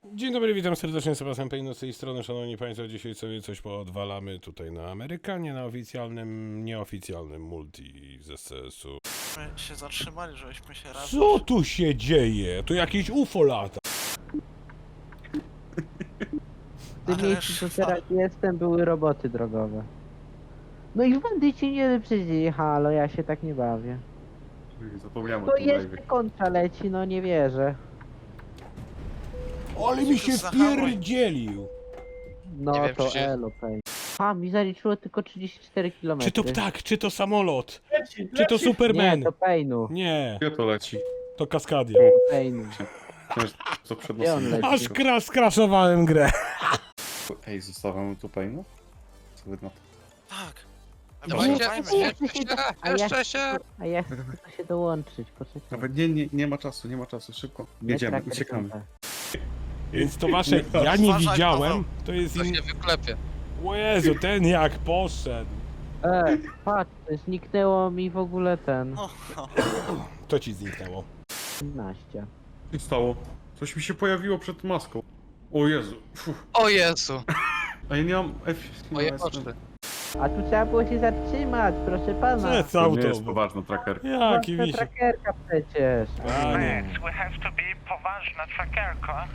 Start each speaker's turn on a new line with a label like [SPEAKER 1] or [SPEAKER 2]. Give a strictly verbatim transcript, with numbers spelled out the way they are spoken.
[SPEAKER 1] Dzień dobry, witam serdecznie, Sebastian Pejno z tej strony. Szanowni Państwo, dzisiaj sobie coś poodwalamy tutaj na Amerykanie, na oficjalnym, nieoficjalnym multi z S C S u.
[SPEAKER 2] My się zatrzymali, żebyśmy się razem...
[SPEAKER 1] Co tu się dzieje? Tu jakieś U F O lata.
[SPEAKER 3] W tym
[SPEAKER 2] Ale
[SPEAKER 3] miejscu, co
[SPEAKER 2] szwa-
[SPEAKER 3] teraz jestem, były roboty drogowe. No i bandyci nie przyjdzie, halo, ja się tak nie bawię.
[SPEAKER 4] Zapomniałem o
[SPEAKER 3] To
[SPEAKER 4] tym
[SPEAKER 3] jeszcze
[SPEAKER 4] live.
[SPEAKER 3] kontra leci, no nie wierzę.
[SPEAKER 1] Ale mi się
[SPEAKER 2] Zahamuj.
[SPEAKER 1] wpierdzielił.
[SPEAKER 3] No
[SPEAKER 5] Nie wiem,
[SPEAKER 3] to
[SPEAKER 5] czy się-
[SPEAKER 3] elo, pej. A, mi zaliczyło tylko trzydzieści cztery kilometry.
[SPEAKER 1] Czy to ptak, czy to samolot,
[SPEAKER 4] Leci,
[SPEAKER 1] czy to Superman?
[SPEAKER 3] Nie, to Pejnu.
[SPEAKER 1] Nie,
[SPEAKER 4] Gdzie to leci?
[SPEAKER 1] to Kaskadia.
[SPEAKER 3] Pejnu.
[SPEAKER 4] Wiesz, co przed
[SPEAKER 3] Gdzie on
[SPEAKER 4] nosem?
[SPEAKER 3] leci?
[SPEAKER 1] Aż kra skraszowałem grę.
[SPEAKER 4] Ej, zostawiam tu Payno? Co wy na to?
[SPEAKER 2] Tak.
[SPEAKER 5] Dawajcie,
[SPEAKER 2] Wycofajmy
[SPEAKER 3] nie,
[SPEAKER 2] się.
[SPEAKER 5] jeszcze się,
[SPEAKER 3] A ja-
[SPEAKER 5] jeszcze się!
[SPEAKER 3] A ja chcę tylko się dołączyć, poczekaj.
[SPEAKER 4] Nawet nie, nie, nie ma czasu, nie ma czasu, szybko. Jedziemy,
[SPEAKER 3] Tracker
[SPEAKER 4] uciekamy.
[SPEAKER 3] kontra.
[SPEAKER 1] Więc to wasze, ja nie
[SPEAKER 2] Uważaj,
[SPEAKER 1] widziałem,
[SPEAKER 2] Paweł.
[SPEAKER 1] to jest
[SPEAKER 5] To
[SPEAKER 1] in...
[SPEAKER 5] się wyklepie.
[SPEAKER 1] O Jezu, ten jak poszedł.
[SPEAKER 3] E, patrz, zniknęło mi w ogóle ten.
[SPEAKER 2] No, no.
[SPEAKER 1] To ci zniknęło.
[SPEAKER 3] osiemnaście.
[SPEAKER 4] Co się stało? Coś mi się pojawiło przed maską. O Jezu. Fuh.
[SPEAKER 5] O Jezu!
[SPEAKER 4] A ja nie mam F...
[SPEAKER 5] Moje
[SPEAKER 4] no,
[SPEAKER 5] koszty.
[SPEAKER 3] A tu trzeba było się zatrzymać, proszę pana.
[SPEAKER 1] Co
[SPEAKER 4] To nie jest
[SPEAKER 1] auto?
[SPEAKER 4] poważna trackerka.
[SPEAKER 1] Jaki
[SPEAKER 3] To
[SPEAKER 1] wisi.
[SPEAKER 3] trackerka przecież.
[SPEAKER 1] A nie.
[SPEAKER 6] We have to be poważna trackerka.